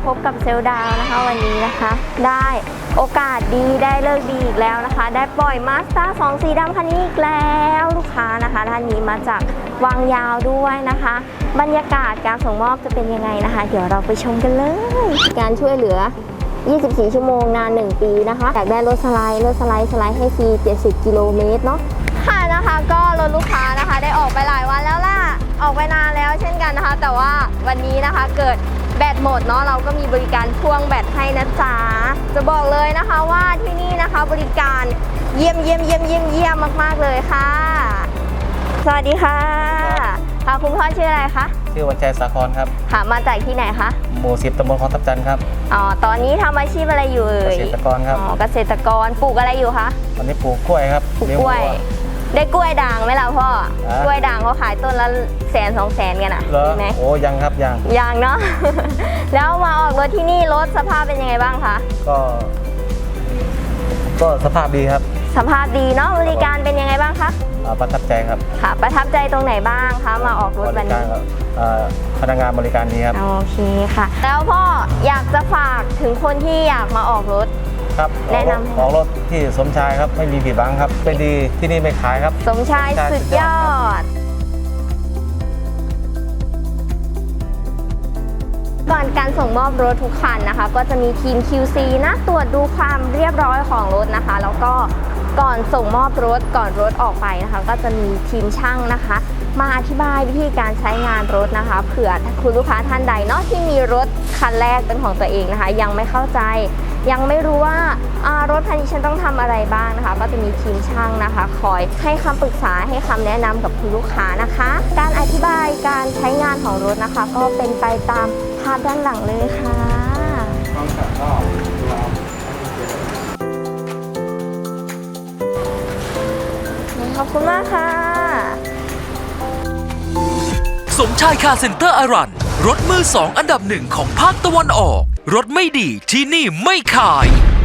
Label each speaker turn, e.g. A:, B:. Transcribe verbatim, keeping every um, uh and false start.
A: พบกับเซลล์ดาวนะคะวันนี้นะคะได้โอกาสดีได้เลิกดีอีกแล้วนะคะได้ปล่อยมาสด้าสองสีดำคันนี้อีกแล้วลูกค้านะคะท่านนี้มาจากวังยาวด้วยนะคะบรรยากาศการส่งมอบจะเป็นยังไงนะคะเดี๋ยวเราไปชมกันเลยการช่วยเหลือยี่สิบสี่ชั่วโมงนานหนึ่งปีนะคะอยากได้รถสไลด์รถสไลด์สไลด์ให้ฟรีเจ็ดสิบกิโลเมตรเนาะค่ะนะคะก็รถลูกค้านะคะได้ออกไปหลายวันแล้วล่ะออกไปนานแล้วเช่นกันนะคะแต่ว่าวันนี้นะคะเกิดแบตหมดเนาะเราก็มีบริการพ่วงแบตให้นะจ๊ะจะบอกเลยนะคะว่าที่นี่นะคะบริการเยี่ยมเยี่ยมเยี่ยมเยี่ยมเยี่ยมมากๆเลยค่ะสวัสดีค่ะค่ะคุณพ่อชื่ออะไรคะ
B: ชื่อวันชัยสาครครับ
A: ค่ะมาจากที่ไหนคะ
B: หมู่สิบตำบลคลองทับจันทร์ครับ
A: อ๋อตอนนี้ทำอาชีพอะไรอยู่เอ่ย
B: เกษตรกรครับ
A: อ๋อเกษตรกรปลูกอะไรอยู่คะ
B: ตอนนี้ปลูกกล้วยครับ
A: ปลูกกล้วยได้กล้วยด่างไหมล่ะพ่อกล้วยด่างเขาขายต้นละแสนสองแสนกันอ่ะ
B: มีไหมโอ้ยังครับยัง
A: ยังเนาะ แล้วมาออกรถที่นี่รถสภาพเป็นยังไงบ้างคะ
B: ก็ก็สภาพดีครับ
A: สภาพดีเนาะบริการเป็นยังไงบ้างคะ
B: ประทับใจครับ
A: ค่ะประทับใจตรงไหนบ้างคะมาออกรถวันนี้
B: พนักงานบริการดีครับ
A: โอเคค่ะแล้วพ่ออยากจะฝากถึงคนที่อยากมาออกรถ
B: ครับแนะนำออกรถที่สมชายครับไม่มีผิดหวังครับเป็นดีที่นี่ไม่ขายครับ
A: สมชายสุดยอดก่อนการส่งมอบรถทุกคันนะคะก็จะมีทีม คิว ซี นะตรวจดูความเรียบร้อยของรถนะคะแล้วก็ก่อนส่งมอบรถก่อนรถออกไปนะคะก็จะมีทีมช่างนะคะมาอธิบายวิธีการใช้งานรถนะคะเผื่อคุณลูกค้าท่านใดเนาะที่มีรถคันแรกเป็นของตัวเองนะคะยังไม่เข้าใจยังไม่รู้ว่ารถคันนี้ฉันต้องทำอะไรบ้างนะคะก็จะมีทีมช่างนะคะคอยให้คำปรึกษาให้คำแนะนำกับคุณลูกค้านะคะการอธิบายการใช้งานของรถนะคะก็เป็นไปตามภาพด้านหลังเลยค่ะขอบคุณมากค่ะ
C: สมชายคาร์เซ็นเตอร์อารันรถมือสองอันดับหนึ่งของภาคตะวันออกรถไม่ดีที่นี่ไม่ขาย